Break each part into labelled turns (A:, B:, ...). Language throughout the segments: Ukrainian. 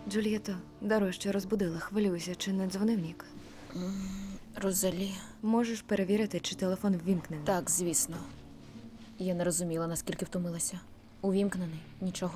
A: Джульєто, даруй, що розбудила. Хвилююся, чи не дзвонив Нік?
B: Розалі.
A: Можеш перевірити, чи телефон ввімкнений?
B: Так, звісно. Я не розуміла, наскільки втомилася. Увімкнений. Нічого.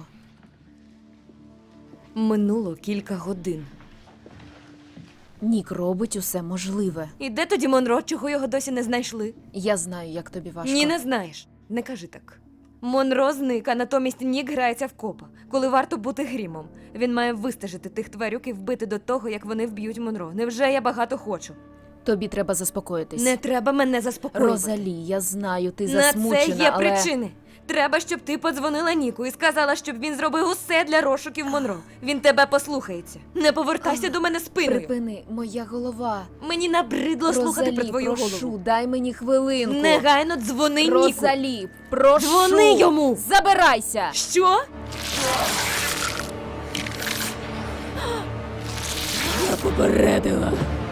A: Минуло кілька годин.
B: Нік робить усе можливе.
A: І де тоді Монро, чого його досі не знайшли?
B: Я знаю, як тобі важко.
A: Ні, не знаєш. Не кажи так. Монро зник, а натомість Нік грається в копа, коли варто бути грімом. Він має вистежити тих тварюк і вбити до того, як вони вб'ють Монро. Невже я багато хочу?
B: Тобі треба заспокоїтись.
A: Не треба мене заспокоювати.
B: Розалі, я знаю, ти
A: На
B: засмучена,
A: це є
B: але...
A: причини. Треба, щоб ти подзвонила Ніку і сказала, щоб він зробив усе для розшуків Монро. Він тебе послухається. Не повертайся до мене спиною.
B: Припини, моя голова.
A: Мені набридло слухати про твою
B: прошу,
A: голову.
B: дай мені хвилинку.
A: Негайно дзвони Ніку.
B: Розалі, прошу.
A: Дзвони йому.
B: Забирайся.
A: Що?
B: Я попередила.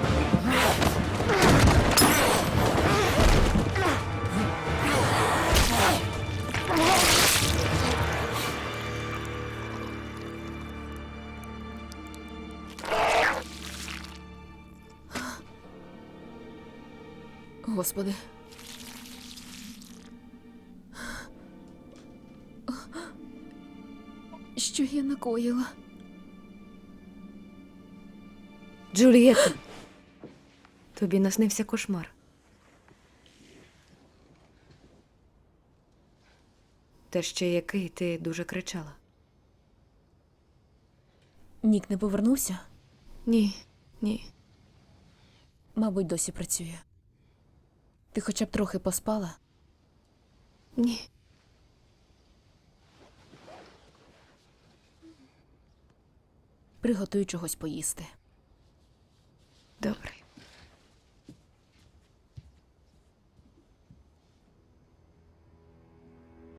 B: Господи. Що я накоїла?
A: Джульєтта, тобі наснився кошмар. Та ще який ти дуже кричала.
B: Нік не повернувся?
A: Ні, ні.
B: Мабуть, досі працює. Ти хоча б трохи поспала?
A: Ні.
B: Приготуй чогось поїсти.
A: Добре.